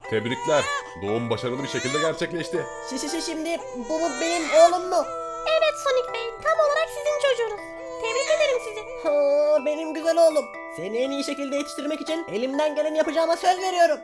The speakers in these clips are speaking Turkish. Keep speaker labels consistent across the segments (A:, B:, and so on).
A: Tebrikler. Doğum başarılı bir şekilde gerçekleşti.
B: Şimdi bu benim oğlum mu?
C: Evet Sonic Bey, tam olarak sizin çocuğunuz. Tebrik ederim sizi.
B: Ha, benim güzel oğlum. Seni en iyi şekilde yetiştirmek için elimden geleni yapacağıma söz veriyorum.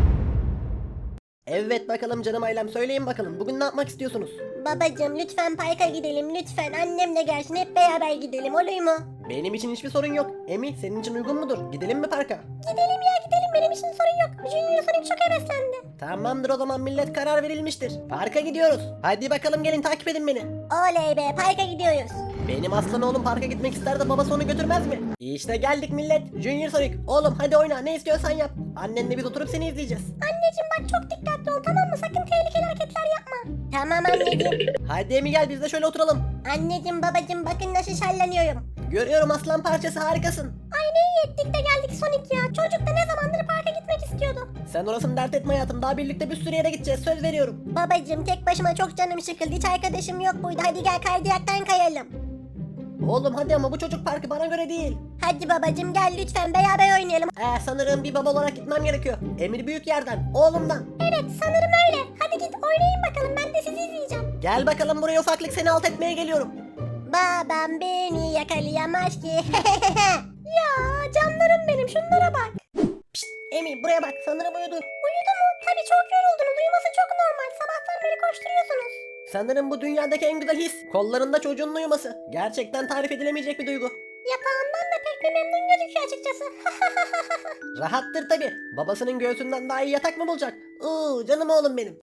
B: Evet bakalım canım ailem, söyleyin bakalım bugün ne yapmak istiyorsunuz?
C: Babacım lütfen parka gidelim lütfen. Annem de gelsin, hep beraber gidelim, olur mu?
B: Benim için hiçbir sorun yok. Emi, senin için uygun mudur? Gidelim mi parka?
C: Gidelim ya gidelim, benim için sorun yok. Junior Sonic çok heveslendi.
B: Tamamdır, o zaman millet, karar verilmiştir. Parka gidiyoruz. Hadi bakalım gelin, takip edin beni.
C: Oley be, parka gidiyoruz.
B: Benim aslan oğlum parka gitmek ister de babası onu götürmez mi? İşte geldik millet. Junior Sonic, oğlum hadi oyna, ne istiyorsan yap. Annenle biz oturup seni izleyeceğiz.
C: Anneciğim bak, çok dikkatli ol, tamam mı? Sakın tehlikeli hareketler yapma. Tamam anneciğim.
B: Hadi Emi gel, biz de şöyle oturalım.
C: Anneciğim babacığım, bakın nasıl şenleniyorum.
B: Görüyorum aslan parçası, harikasın.
C: Ay ne iyi ettik de geldik Sonic ya. Çocuk da ne zamandır parka gitmek istiyordu.
B: Sen orasını dert etme hayatım, daha birlikte bir sürü yere gideceğiz, söz veriyorum.
C: Babacığım tek başıma çok canım sıkıldı. Hiç arkadaşım yok burada. Hadi gel kaydıyaktan kayalım.
B: Oğlum hadi, ama bu çocuk parkı bana göre değil.
C: Hadi babacığım gel lütfen beraber oynayalım.
B: Sanırım bir baba olarak gitmem gerekiyor. Emir büyük yerden, oğlumdan.
C: Evet sanırım öyle. Hadi git oynayın bakalım, ben de sizi izleyeceğim.
B: Gel bakalım buraya ufaklık, seni alt etmeye geliyorum.
C: Babam beni yakalayamaz ki. Ya canlarım benim, şunlara bak.
B: Emir buraya bak, sanırım uyudu.
C: Uyudu mu? Tabii çok yoruldunuz. Uyuması çok normal. Sabahtan beri koşturuyorsunuz.
B: Sanırım bu dünyadaki en güzel his, kollarında çocuğun uyuması. Gerçekten tarif edilemeyecek bir duygu.
C: Yatağından da pek bir memnun gözüküyor açıkçası.
B: Rahattır tabi. Babasının göğsünden daha iyi yatak mı bulacak? Canım oğlum benim.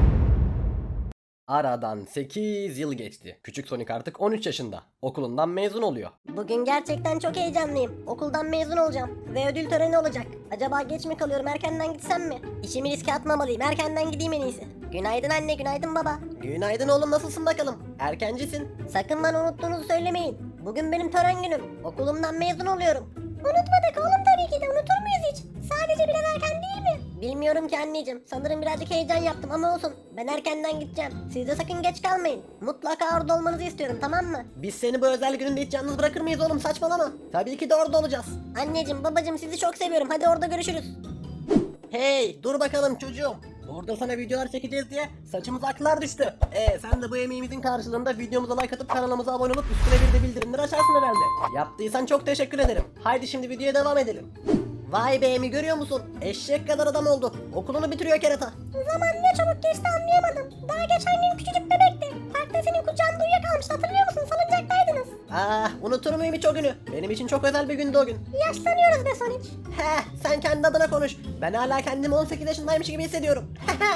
B: Aradan 8 yıl geçti. Küçük Sonic artık 13 yaşında. Okulundan mezun oluyor.
C: Bugün gerçekten çok heyecanlıyım. Okuldan mezun olacağım ve ödül töreni olacak. Acaba geç mi kalıyorum, erkenden gitsem mi? İşimi riske atmamalıyım, erkenden gideyim en iyisi. Günaydın anne, günaydın baba.
B: Günaydın oğlum, nasılsın bakalım? Erkencisin.
C: Sakın bana unuttuğunuzu söylemeyin. Bugün benim tören günüm. Okulumdan mezun oluyorum. Unutmadık oğlum, tabii ki de, unutur muyuz hiç? Sadece biraz erken değil mi? Bilmiyorum ki anneciğim. Sanırım birazcık heyecan yaptım ama olsun. Ben erkenden gideceğim. Siz de sakın geç kalmayın. Mutlaka orada olmanızı istiyorum, tamam mı?
B: Biz seni bu özel gününde hiç yalnız bırakır mıyız oğlum, saçmalama. Tabii ki de orada olacağız.
C: Anneciğim babacığım, sizi çok seviyorum. Hadi orada görüşürüz.
B: Hey dur bakalım çocuğum. Orada sana videolar çekeceğiz diye saçımıza aklar düştü. Sen de bu emeğimizin karşılığında videomuza like atıp kanalımıza abone olup üstüne bir de bildirimleri açarsın herhalde. Yaptıysan çok teşekkür ederim. Haydi şimdi videoya devam edelim. Vay be Emi, görüyor musun? Eşek kadar adam oldu. Okulunu bitiriyor kerata.
C: Zaman ne çabuk geçti anlayamadım. Daha geçen gün küçücük bebekti. Parkta senin kucağında uyuyakalmıştı, hatırlıyor musun? Salıncaktaydınız.
B: Unutur muyum hiç o günü? Benim için çok özel bir gündü o gün.
C: Yaşlanıyoruz be Sonic.
B: Sen kendi adına konuş. Ben hala kendimi 18 yaşındaymış gibi hissediyorum.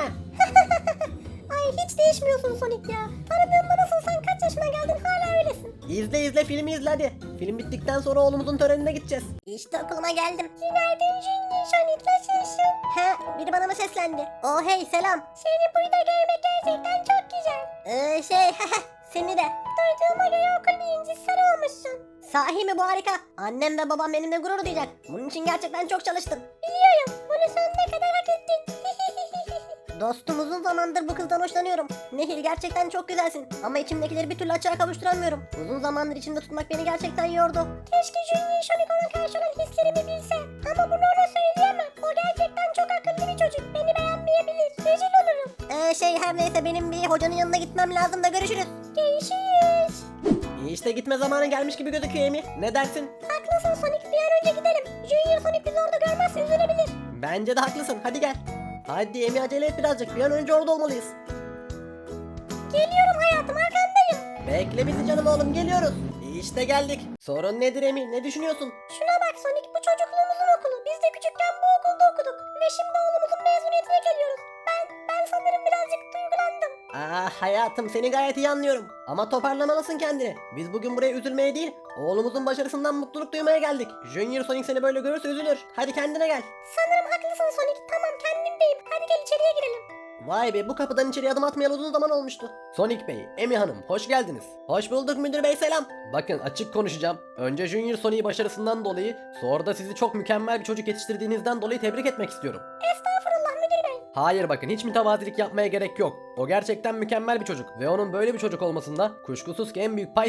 C: Ay hiç değişmiyorsun Sonic ya. Tanıdığımda nasılsan, kaç yaşına geldin hala öylesin.
B: İzle filmi izle hadi. Film bittikten sonra oğlumuzun törenine gideceğiz.
C: İşte okuluma geldim. Günaydın Junior Sonic, nasılsın? Biri bana mı seslendi? Oh hey, selam. Seni burada görmek gerçekten çok güzel. Seni de. Duyduğuma göre okul birincisi sen olmuşsun. Sahi mi, bu harika. Annem ve babam benimle gurur duyacak. Bunun için gerçekten çok çalıştım. Biliyorum. Bunu sonuna kadar hak ettin. Dostum, uzun zamandır bu kızdan hoşlanıyorum. Nehir, gerçekten çok güzelsin. Ama içimdekileri bir türlü açığa kavuşturamıyorum. Uzun zamandır içimde tutmak beni gerçekten yordu. Keşke Junior Sonic ona karşı olan hislerimi bilse. Ama bunu ona söyleyemem. O gerçekten çok akıllı bir çocuk. Beni beğenmeyebilir. Rezil olurum. Her neyse, benim bir hocanın yanına gitmem lazım da görüşürüz. Görüşürüz.
B: İşte gitme zamanı gelmiş gibi gözüküyor Emi. Ne dersin?
C: Haklısın Sonic, bir an önce gidelim. Junior Sonic bizi orada görmezse üzülebilir.
B: Bence de haklısın. Hadi gel. Hadi Emi, acele et birazcık. Bir an önce orada olmalıyız.
C: Geliyorum hayatım, arkandayım.
B: Bekle bizi canım oğlum, geliyoruz. İşte geldik. Sorun nedir Emi? Ne düşünüyorsun?
C: Şuna bak Sonic, bu çocukluğumuzun okulu. Biz de küçükken bu okulda okuduk. Ve şimdi oğlumuzun mezuniyetine geliyoruz. Ben sanırım birazcık duygulandım.
B: Hayatım, seni gayet iyi anlıyorum. Ama toparlamalısın kendini. Biz bugün buraya üzülmeye değil, oğlumuzun başarısından mutluluk duymaya geldik. Junior Sonic seni böyle görürse üzülür. Hadi kendine gel.
C: Sanırım haklısın Sonic. Tamam, kendimdeyim. Hadi gel içeriye girelim.
B: Vay be, bu kapıdan içeriye adım atmayalı uzun zaman olmuştu. Sonic Bey, Emi Hanım, hoş geldiniz. Hoş bulduk müdür bey, selam. Bakın, açık konuşacağım. Önce Junior Sonic'i başarısından dolayı, sonra da sizi çok mükemmel bir çocuk yetiştirdiğinizden dolayı tebrik etmek istiyorum.
C: Estağfurullah müdür bey.
B: Hayır bakın, hiç mütevazilik yapmaya gerek yok. O gerçekten mükemmel bir çocuk ve onun böyle bir çocuk olmasında kuşkusuz ki en büyük pay sizin.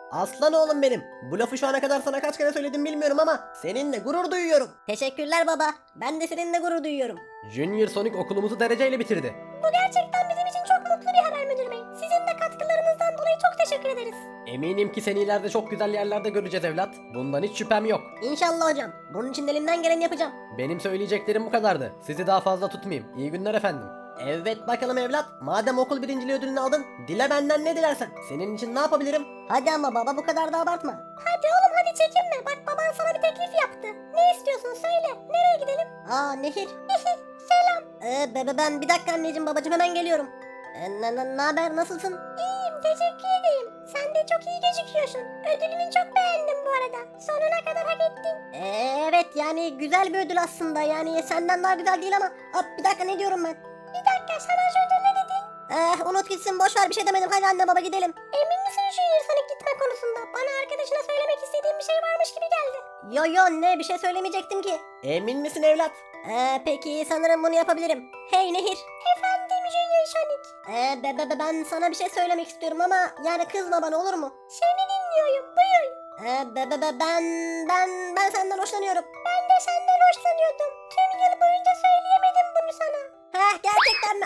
B: Aslan oğlum benim. Bu lafı şu ana kadar sana kaç kere söyledim bilmiyorum ama seninle gurur duyuyorum.
C: Teşekkürler baba. Ben de seninle gurur duyuyorum.
B: Junior Sonic okulumuzu dereceyle bitirdi.
C: Bu gerçekten bizim için çok mutlu bir haber müdür bey. Sizin de katkılarınızdan dolayı çok teşekkür ederiz.
B: Eminim ki seni ileride çok güzel yerlerde göreceğiz evlat. Bundan hiç şüphem yok.
C: İnşallah hocam. Bunun için elimden geleni yapacağım.
B: Benim söyleyeceklerim bu kadardı. Sizi daha fazla tutmayayım. İyi günler efendim. Evet bakalım evlat. Madem okul birinciliği ödülünü aldın, dile benden ne dilersen. Senin için ne yapabilirim?
C: Hadi ama baba bu kadar da abartma. Hadi oğlum hadi çekinme. Bak baban sana bir teklif yaptı. Ne istiyorsun söyle. Nereye gidelim? Aa Nehir. Selam. Ben bir dakika anneciğim babacığım hemen geliyorum. Ne haber nasılsın? İyiyim teşekkür ederim. Sen de çok iyi gözüküyorsun. Ödülünü çok beğendim bu arada. Sonuna kadar hak ettin. Evet yani güzel bir ödül aslında. Yani senden daha güzel değil ama. Bir dakika ne diyorum ben? Bir dakika sana az önce ne dedin? Unut gitsin boş ver bir şey demedim. Hadi anne baba gidelim. Emin misin şu Sonic gitme konusunda? Bana arkadaşına söylemek istediğin bir şey varmış gibi geldi. Yo ne bir şey söylemeyecektim ki.
B: Emin misin evlat?
C: Peki sanırım bunu yapabilirim. Hey Nehir. Efendim Junior Sonic. Ben sana bir şey söylemek istiyorum ama yani kızma bana olur mu? Seni dinliyorum buyur. Ben senden hoşlanıyorum. Ben de senden hoşlanıyordum. Tüm yıl boyunca söyleyemedim bunu sana. Gerçekten mi?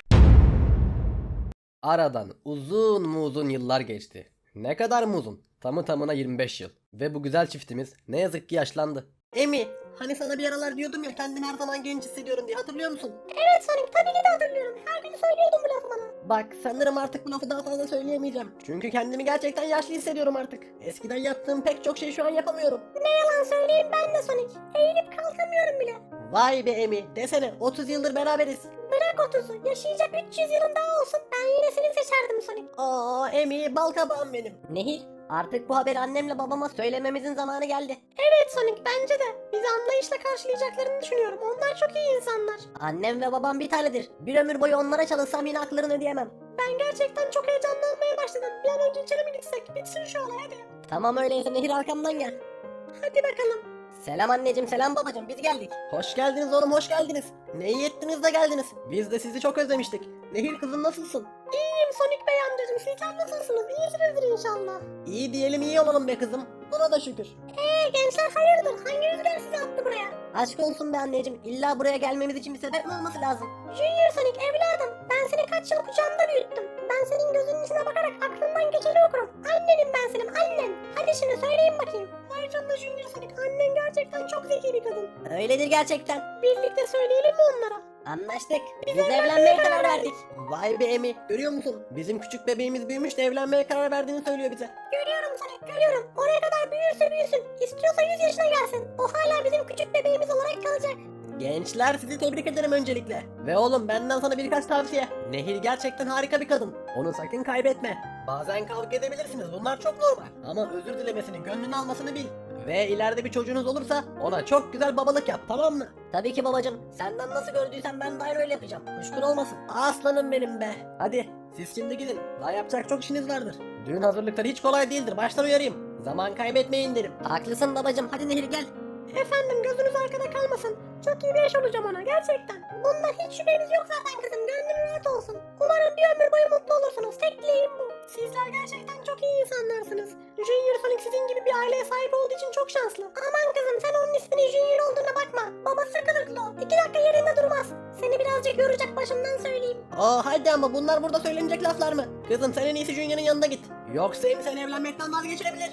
B: Aradan uzun yıllar geçti. Ne kadar mı uzun? Tamı tamına 25 yıl. Ve bu güzel çiftimiz ne yazık ki yaşlandı. Emi, hani sana bir aralar diyordum ya kendimi her zaman genç hissediyorum diye hatırlıyor musun?
C: Evet Sonic tabii ki de hatırlıyorum. Her gün söylüyordun bu lafı bana.
B: Bak sanırım artık bu lafı daha fazla söyleyemeyeceğim. Çünkü kendimi gerçekten yaşlı hissediyorum artık. Eskiden yaptığım pek çok şey şu an yapamıyorum.
C: Ne yalan söyleyeyim ben de Sonic. Eğilip kalkamıyorum bile.
B: Vay be Emi, desene 30 yıldır beraberiz.
C: Bırak 30'u. Yaşayacak 300 yılın daha olsun. Ben yine seni seçerdim Sonic.
B: Aa Emi, bal kabağım benim.
C: Nehir, artık bu haberi annemle babama söylememizin zamanı geldi. Evet Sonic, bence de. Bizi anlayışla karşılayacaklarını düşünüyorum. Onlar çok iyi insanlar. Annem ve babam bir tanedir. Bir ömür boyu onlara çalışsam yine haklarını ödeyemem. Ben gerçekten çok heyecanlanmaya başladım. Bir an önce içeri mi gitsek? Bitsin şu olay hadi. Tamam öyleyse Nehir arkamdan gel. Hadi bakalım. Selam anneciğim, selam babacığım. Biz geldik.
B: Hoş geldiniz oğlum, hoş geldiniz. Ne iyi ettiniz de geldiniz. Biz de sizi çok özlemiştik. Nehir kızım nasılsın?
C: İyiyim Sonic Bey amcacığım. Sizler nasılsınız? İyisinizdir inşallah.
B: İyi diyelim iyi olalım be kızım. Buna da şükür.
C: Gençler hayırdır? Hangi rüzgar sizi attı buraya? Aşk olsun be anneciğim. İlla buraya gelmemiz için bir sebep mi olması lazım? Junior Sonic evladım. Ben seni kaç yıl kucağımda büyüttüm. Ben senin gözünün içine bakarak aklından geçeni okurum. Annenim ben senin annen. Hadi şimdi söyleyin bakayım. Vay canına Junior Sonic. Annen gerçekten çok zeki bir kadın. Öyledir gerçekten. Birlikte söyleyelim mi onlara? Anlaştık. Biz evlenmeye karar verdik.
B: Vay be Emi, görüyor musun? Bizim küçük bebeğimiz büyümüş de evlenmeye karar verdiğini söylüyor bize.
C: Görüyorum Sonic görüyorum. Oraya kadar büyürse büyüsün. İstiyorsa 100 yaşına gelsin. O hala bizim küçük bebeğimiz olarak kalacak.
B: Gençler sizi tebrik ederim öncelikle. Ve oğlum benden sana birkaç tavsiye. Nehir gerçekten harika bir kadın. Onu sakın kaybetme. Bazen kavga edebilirsiniz, bunlar çok normal. Ama özür dilemesini, gönlünü almasını bil. Ve ileride bir çocuğunuz olursa ona çok güzel babalık yap, tamam mı?
C: Tabii ki babacığım. Senden nasıl gördüysen ben de aynı öyle yapacağım. Kuşkun olmasın.
B: Aslanım benim be. Hadi siz şimdi gidin. Daha yapacak çok işiniz vardır. Düğün hazırlıkları hiç kolay değildir. Baştan uyarayım. Zaman kaybetmeyin derim.
C: Haklısın babacığım. Hadi Nehir gel. Efendim gözünüz arkada kalmasın. Çok iyi bir eş olacağım ona gerçekten. Bundan hiç şüphemiz yok zaten kızım. Gönlün rahat olsun. Umarım bir ömür boyu mutlu olursunuz. Tek dileğim bu. Sizler gerçekten çok iyi insanlarsınız. Junior Sonic sizin gibi bir aileye sahip olduğu için çok şanslı. Aman kızım sen onun isminin Junior olduğuna bakma. Babası kılıklı o. 2 dakika yerinde durmaz. Seni birazcık yoracak başımdan söyleyeyim.
B: Hadi ama bunlar burada söylenecek laflar mı? Kızım sen en iyisi Junior'ın yanına git. Yoksa Emi seni evlenmekten vazgeçirebilir.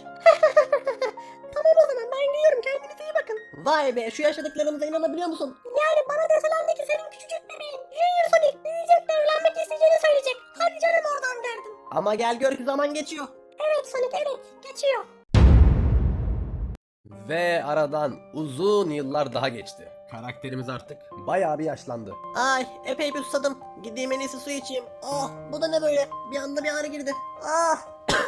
C: Tamam o zaman ben gidiyorum. Kendinize iyi bakın.
B: Vay be, şu yaşadıklarımıza inanabiliyor musun?
C: Yani bana deselerdi ki senin küçücük bebeğin Junior Sonic büyüyecek ve evlenmek isteyeceğini söyleyecek. Hadi canım oradan derdim.
B: Ama gel gör ki zaman geçiyor.
C: Evet Sonic evet geçiyor.
B: Ve aradan uzun yıllar daha geçti. Karakterimiz artık bayağı bir yaşlandı. Ay epey bir susadım. Gideyim en iyisi su içeyim. Oh bu da ne böyle? Bir anda bir ağrı girdi. Ah.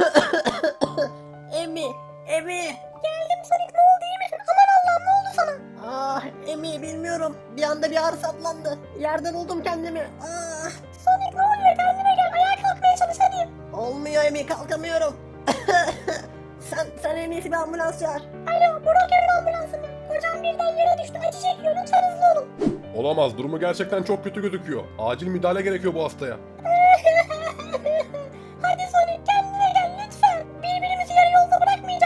B: Emi.
C: Geldim Sonic ne oldu iyi misin? Aman Allah'ım ne oldu sana?
B: Ah Emi bilmiyorum. Bir anda bir ağrı saplandı. Yerden buldum kendimi. Ah.
C: Sonic ne oluyor kendine gel ayağa kalkmaya çalış hadi.
B: Olmuyor Emi, kalkamıyorum. sen en iyisi bir ambulans çağır.
C: Alo Broker'in ambulansı mı? Kocam birden yere düştü acı çekiyor lütfen hızlı olun.
A: Olamaz, durumu gerçekten çok kötü gözüküyor. Acil müdahale gerekiyor bu hastaya.
C: Hadi Sonic kendine gel lütfen. Birbirimizi yarı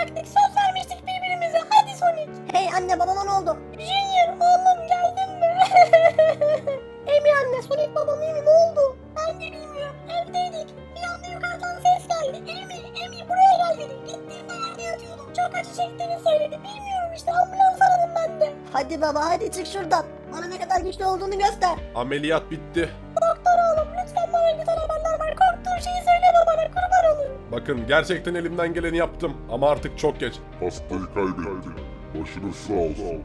C: olacaktık. Söz vermiştik birbirimize. Hadi Sonic. Hey anne babama ne oldu? Junior oğlum geldin mi? Emi anne Sonic babam iyi mi? Ne oldu? Ben de bilmiyorum. Evdeydik. Bir anda yukarıdan ses geldi. Emi buraya gel dedi. Gittiğimde yerde yatıyordum. Çok acı çektiğini söyledi. Bilmiyorum işte ambulans aradım ben de. Hadi baba hadi çık şuradan. Bana ne kadar güçlü olduğunu göster.
A: Ameliyat bitti.
C: Doktor oğlum lütfen bana güzel haberler ver. Korktuğun şeyi söyleme bana kurban olurum.
A: Bakın gerçekten elimden geleni yaptım ama artık çok geç.
D: Hastayı kaybettik. Başınız sağ olsun.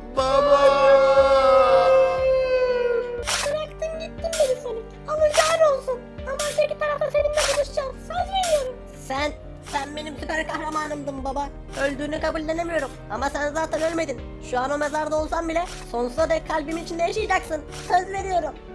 C: Bıraktın gittin beni Sonic. Alacağın olsun. Ama öteki tarafta seninle buluşacağız. Söz veriyorum. Sen benim süper kahramanımdın baba. Öldüğünü kabullenemiyorum. Ama sen zaten ölmedin. Şu an o mezarda olsan bile sonsuza dek kalbimin içinde yaşayacaksın. Söz veriyorum.